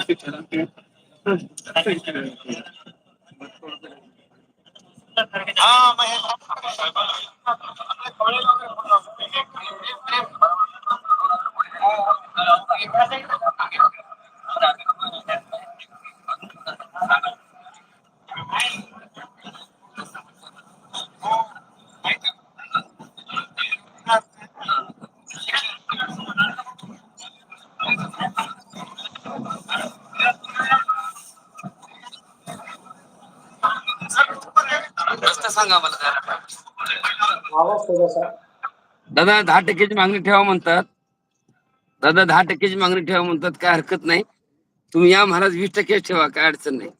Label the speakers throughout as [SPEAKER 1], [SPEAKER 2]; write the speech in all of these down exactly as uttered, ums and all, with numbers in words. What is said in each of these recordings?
[SPEAKER 1] सांगा मला जरा.
[SPEAKER 2] आवाज थोडासा.
[SPEAKER 1] दादा दहा टक्क्याची मागणी ठेवा म्हणतात. दादा दहा टक्क्याची मागणी ठेवा म्हणतात, काय हरकत नाही. तुम्ही या महाराज वीस टक्के ठेवा, काय अडचण नाही.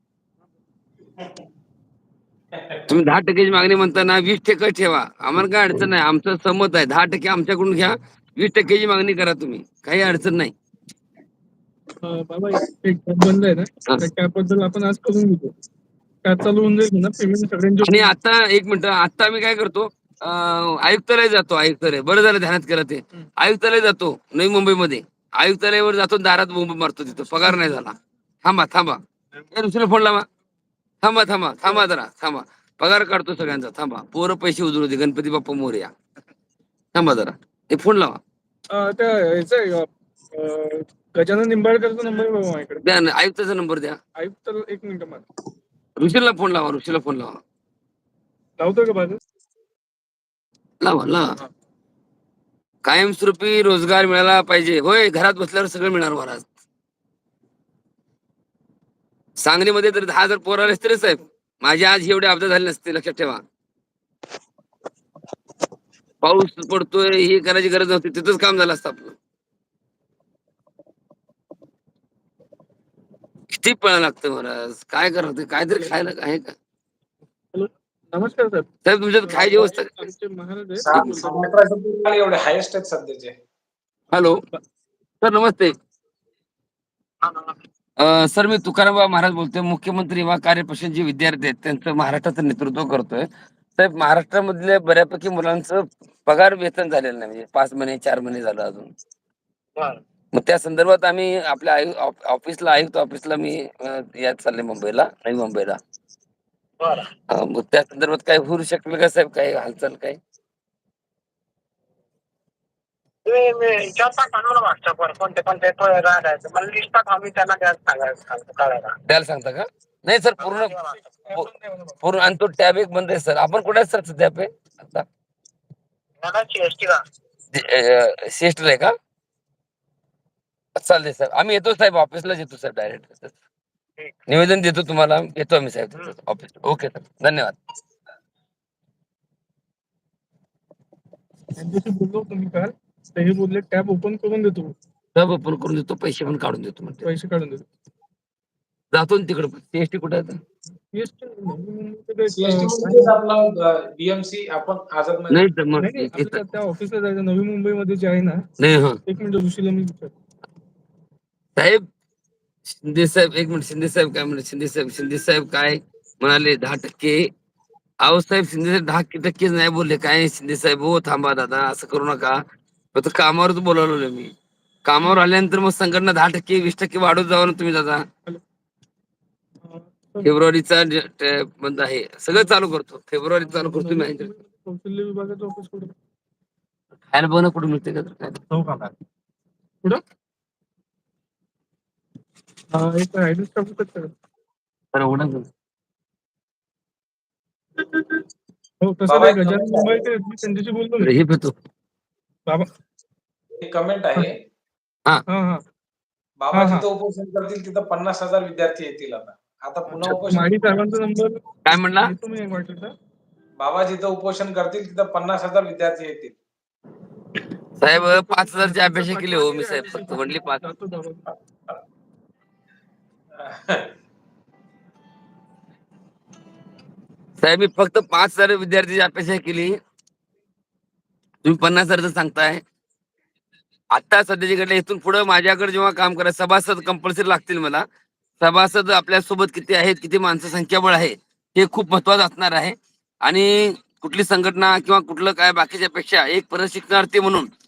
[SPEAKER 1] तुम्ही दहा टक्क्याची मागणी म्हणता ना, वीस टक्के ठेवा, आम्हाला काय अडचण नाही. आमचं सहमत आहे. दहा टक्के आमच्याकडून घ्या, वीस टक्क्याची मागणी करा तुम्ही, काही अडचण नाही.
[SPEAKER 3] बाबा एक बंद आहे ना, त्या कॅबबद्दल आपण आज करून घेतो. कॅब चालू होऊन जाईल ना, पेमेंट सगळ्यांचे.
[SPEAKER 1] आणि आता एक मिनिट, आता आम्ही काय करतो, आयुक्तालय जातो. आयुक्तालय बरं झालं ध्यानात केलं ते. आयुक्तालय जातो नवी मुंबईमध्ये, आयुक्तालयावर जातो, दारात बोंब मारतो, तिथं पगार नाही झाला. थांबा थांबा, दुसऱ्या फोन लावा. थांबा थांबा थांबा जरा थांबा, पगार काढतो सगळ्यांचा. थांबा, पोरं पैसे उजळू दे, गणपती बाप्पा मोरया. थांबा जरा, ते फोन लावा.
[SPEAKER 3] त्या ह्याचा गजानन निंबाळकरचा नंबर बाबा माझ्याकडे.
[SPEAKER 1] द्या ना, आयुक्ताचा नंबर द्या.
[SPEAKER 3] आयुक्त एक मिनिट मला.
[SPEAKER 1] ऋषीला फोन लावा, ऋषीला फोन लावा.
[SPEAKER 3] लावतो का बाजू?
[SPEAKER 1] लावा लावा. कायमस्वरूपी रोजगार मिळाला पाहिजे. होय, घरात बसल्यावर सगळं मिळणार महाराज. सांगलीमध्ये तर दहा हजार पोर आले असते रे साहेब, माझे आज एवढे अपघात झाले नसते, लक्षात ठेवा. पाऊस पडतोय, हे करायची गरज नव्हती, तिथंच काम झालं असतं आपलं. किती पळायला लागतं महाराज, काय करत, काहीतरी खायला आहे का?
[SPEAKER 3] नमस्कार साहेब.
[SPEAKER 1] साहेब तुमच्यात खायची व्यवस्था?
[SPEAKER 2] एवढे हायेस्ट आहेत सध्याचे.
[SPEAKER 1] हॅलो सर, नमस्ते. सर, मी तुकाराम महाराज बोलतोय, मुख्यमंत्री युवा कार्यपरिषदेचे विद्यार्थी आहेत, त्यांचं महाराष्ट्राचं नेतृत्व करतोय. साहेब, महाराष्ट्रामधल्या बऱ्यापैकी मुलांचं पगार वेतन झालेलं नाही, म्हणजे पाच महिने चार महिने झालं अजून. मग त्या संदर्भात आम्ही आपल्या ऑफिसला, आयुक्त ऑफिसला मी यात चालले, मुंबईला, नवी मुंबईला. मग त्या संदर्भात काय होऊ शकलं का साहेब, काय हालचाल काय? द्यायला सांगता का? नाही सर, पूर्ण पूर्ण. आणि तो टॅब एक बंद आहे सर. आपण कुठे सर सध्या पे आता? सीएसटी आहे का? चालते सर, आम्ही येतो साहेब, ऑफिसलाच येतो सर, डायरेक्ट निवेदन देतो तुम्हाला, येतो आम्ही साहेब ऑफिस. ओके सर, धन्यवाद.
[SPEAKER 3] त्यांच्याशी बोललो तुम्ही काल, ते बोलले टॅब ओपन करून देतो.
[SPEAKER 1] टॅब ओपन करून देतो, पैसे पण काढून देतो म्हणते.
[SPEAKER 3] पैसे काढून देतो. जातो
[SPEAKER 1] तिकडे. सीएसटी कुठे आहे?
[SPEAKER 2] बीएमसी आपण आझाद
[SPEAKER 1] नाही तर मग
[SPEAKER 3] त्या ऑफिसला जायचं, नवी मुंबईमध्ये जे आहे ना.
[SPEAKER 1] नाही, हा
[SPEAKER 3] एक मिनिट, ऋषीला मी विचार.
[SPEAKER 1] साहेब, शिंदे साहेब, एक मिनिट, शिंदे साहेब काय म्हणले? शिंदे साहेब शिंदे साहेब काय म्हणाले? दहा टक्के. अहो साहेब, शिंदे साहेब दहा टक्केच नाही बोलले. काय शिंदे साहेब, हो थांबा दादा, असं करू नका. फक्त कामावरच बोलावलं मी. कामावर आल्यानंतर मग संघटना दहा टक्के वीस टक्के वाढवत जावा ना तुम्ही दादा. फेब्रुवारीचा बंद आहे, सगळं चालू करतो. फेब्रुवारी चालू करतो मी.
[SPEAKER 3] कौशल्य विभागाचं ऑफिस कुठे?
[SPEAKER 1] खायला बघ ना, कुठे मिळते का?
[SPEAKER 3] कुठं? एक ऍड्रेस टाकू शकता का? हो, तसं नाही. गजानन मुंबईचे त्यांच्याशी बोलतो मी.
[SPEAKER 1] हे भेटतो
[SPEAKER 3] बाबा,
[SPEAKER 2] एक कमेंट आहे.
[SPEAKER 1] हा
[SPEAKER 3] हा हा
[SPEAKER 2] बाबा जिथं उपोषण करतील तिथं पन्नास हजार विद्यार्थी येतील. आता आता पुन्हा उपोषण.
[SPEAKER 3] माडी साहेबांचा नंबर
[SPEAKER 1] काय म्हणला?
[SPEAKER 3] तुम्ही एक वाटलं.
[SPEAKER 2] बाबा जिथं उपोषण करतील तिथं पन्नास हजार विद्यार्थी येतील.
[SPEAKER 1] साहेब, पाच हजारची अपेक्षा केली हो मी साहेब, फक्त म्हणली पाच. साहेब, मी फक्त पाच हजार विद्यार्थ्याची अपेक्षा केली, तुम्ही पन्नास हजारचं सांगताय. आता सध्याची घडले, इथून पुढे माझ्याकडे जेव्हा काम करा, सभासद कंपल्सरी लागतील मला. सभासद आपल्या सोबत किती आहेत, किती माणसं संख्याबळ आहे, हे खूप महत्वाचं असणार आहे. आणि कुठली संघटना किंवा कुठलं काय बाकीच्या पेक्षा एक प्रशिक्षणार्थी म्हणून